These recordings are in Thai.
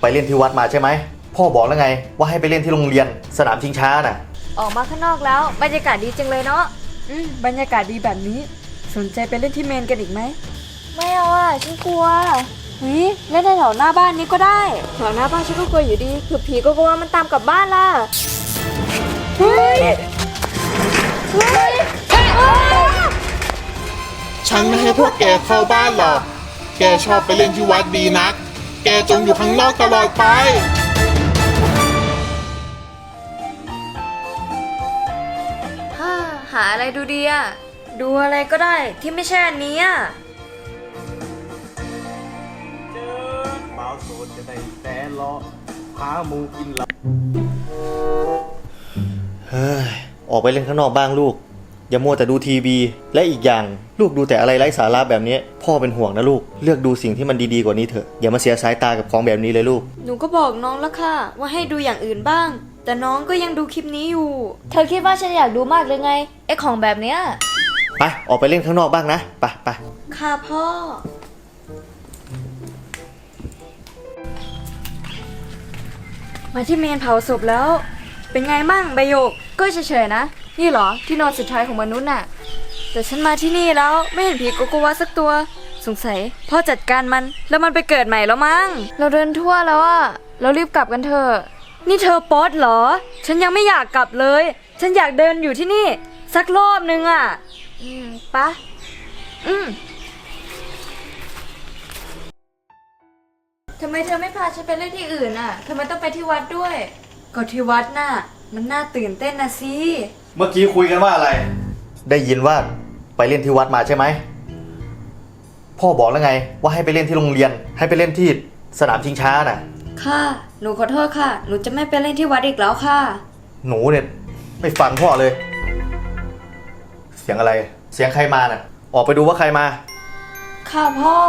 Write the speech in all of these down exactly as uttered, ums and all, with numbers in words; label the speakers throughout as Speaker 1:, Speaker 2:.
Speaker 1: เล่นที่วัดมาใช่ไหมพ่อบอกแล้วไงว่าให้ไปเล่นที่โรงเรียนสนามชิงช้าน่ะ
Speaker 2: ออกมาข้างนอกแล้วบรรยากาศดีจังเลยเนาะ
Speaker 3: อืมบรรยากาศดีแบบนี้สนใจไปเล่นที่เมนกันอีกไหม
Speaker 2: ไม่เอาอ่ะฉันกลัว
Speaker 3: เฮ้ยเล่นในแถวหน้าบ้านนี้ก็ได้
Speaker 2: แถวหน้าบ้านฉันก็กลัวอยู่ดีคือผีก็กลัวมันตามกลับบ้านล่ะ
Speaker 3: เฮ้ยเฮ้ย
Speaker 4: ฉันไม่ให้พวกแกเข้าบ้านหรอกแกชอบไปเล่นที่วัดดีนักแกจงอยู่ข้างนอกตลอดไป
Speaker 2: ฮ่าหาอะไรดูดีอ่ะดูอะไรก็ได้ที่ไม่ใช่อันนี้อ่ะ
Speaker 1: เจอเมาโซนจะได้แต่รอพามูกินละเฮ้ยออกไปเล่นข้างนอกบ้างลูกอย่ามัวแต่ดูทีวีและอีกอย่างลูกดูแต่อะไรไร้สาระแบบนี้พ่อเป็นห่วงนะลูกเลือกดูสิ่งที่มันดีๆกว่านี้เถอะอย่ามาเสียสายตากับของแบบนี้เลยลูก
Speaker 2: หนูก็บอกน้องแล้วค่ะว่าให้ดูอย่างอื่นบ้างแต่น้องก็ยังดูคลิปนี้อยู่เธอคิดว่าฉันอยากดูมากเลยไงไอ้ของแบบเนี้ย
Speaker 1: ไปออกไปเล่นข้างนอกบ้างนะไปไป
Speaker 2: ค่ะพ่อมาที่เมนเผาศพแล้วเป็นไงมั่งใบโยกก็เฉยๆนะนี่เหรอที่นอนสุดท้ายของมนุษย์น่ะแต่ฉันมาที่นี่แล้วไม่เห็นผีโกโกวาสักตัวสงสัยพ่อจัดการมันแล้วมันไปเกิดใหม่แล้วมั้งเราเดินทั่วแล้วอะเรารีบกลับกันเถอะนี่เธอป๊อตเหรอฉันยังไม่อยากกลับเลยฉันอยากเดินอยู่ที่นี่สักรอบนึงอะอืมปะอืมทำไมเธอไม่พาฉันไปเล่นที่อื่นอ่ะทำไมต้องไปที่วัดด้วยก็ที่วัดน่ะมันน่าตื่นเต้นนะสิ
Speaker 1: เมื่อกี้คุยกันว่าอะไรได้ยินว่าไปเล่นที่วัดมาใช่ไหมพ่อบอกแล้วไงว่าให้ไปเล่นที่โรงเรียนให้ไปเล่นที่สนามชิงช้าน่ะ
Speaker 2: ค่ะหนูขอโทษค่ะหนูจะไม่ไปเล่นที่วัดอีกแล้วค่ะ
Speaker 1: หนูเนี่ยไม่ฟังพ่อเลยเสียงอะไรเสียงใครมาน่ะออกไปดูว่าใครมา
Speaker 2: ค่ะพ่อ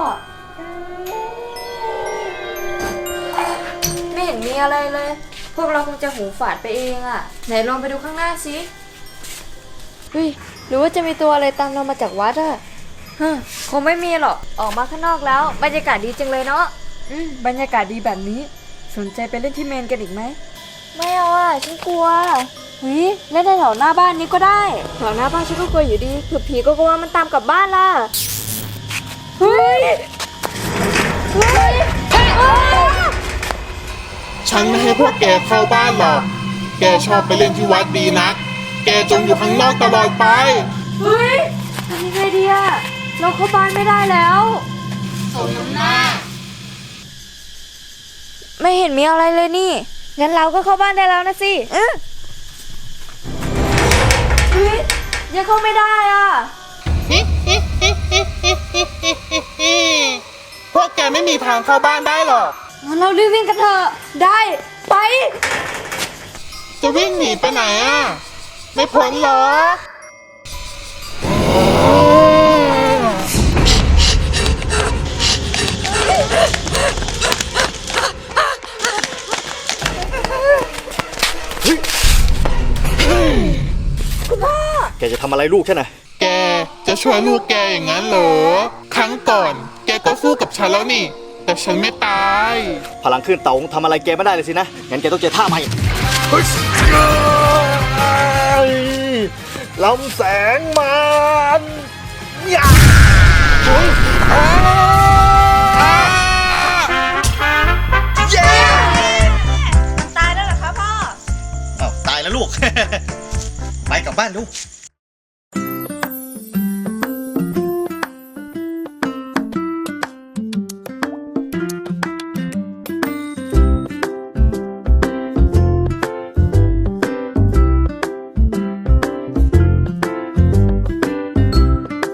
Speaker 2: ไม่เห็นมีอะไรเลยพวกเราคงจะหูฝาดไปเองอะไหนลองไปดูข้างหน้าสิเฮ้ยหรือว่าจะมีตัวอะไรตามเรามาจากวัดอะฮะคงไม่มีหรอกออกมาข้างนอกแล้วบรรยากาศดีจังเลยเนาะ
Speaker 3: อืมบรรยากาศดีแบบนี้สนใจไปเล่นที่เมนกันอีกไหม
Speaker 2: ไม่เอาอ่ะฉันกลัว
Speaker 3: เฮ้ยเล่นในแถวหน้าบ้านนี้ก็ได้
Speaker 2: แถวหน้าบ้านฉันก็กลัวอยู่ดีคือผีก็กลัวมันตามกลับบ้านล่ะ
Speaker 3: เฮ้ยเฮ้ย
Speaker 4: ฉันไม่ให้พวกแกเข้าบ้านหรอกแกชอบไปเล่นที่วัดดีนักแกจงอยู่ข้างนอกตลอดไป
Speaker 2: เฮ้ยทำยังไงดีอะเราเข้าบ้านไม่ได้แล้ว
Speaker 4: สมน้ำหน้า
Speaker 2: ไม่เห็นมีอะไรเลยนี่งั้นเราก็เข้าบ้านได้แล้วนะสิเออเฮ้ยยังเข้าไม่ได้อ่ะ
Speaker 4: พวกแกไม่มีทางเข้าบ้านได้หรอก
Speaker 2: งั้นเรารีบวิ่งกันเถอะได้ไป
Speaker 4: จะวิ่งหนีไปไหนอ่ะไม่พ้นหรอก
Speaker 2: คุณพ่อ
Speaker 1: แกจะทำอะไรลูกใช่ไหม
Speaker 4: แกจะช่วยลูกแกอย่างนั้นเหรอครั้งก่อนแกก็สู้กับฉันแล้วนี่แต่ฉันไม่ตาย
Speaker 1: พลังขึ้นเต่าทำอะไรแกไม่ได้เลยสินะงั้นแกต้องเจอท่าใหม่ลำแสงมันยา
Speaker 2: เย้มันตายแล้วเหรอคะพ่อ
Speaker 1: อ้าวตายแล้วลูก ไปกลับบ้านลูก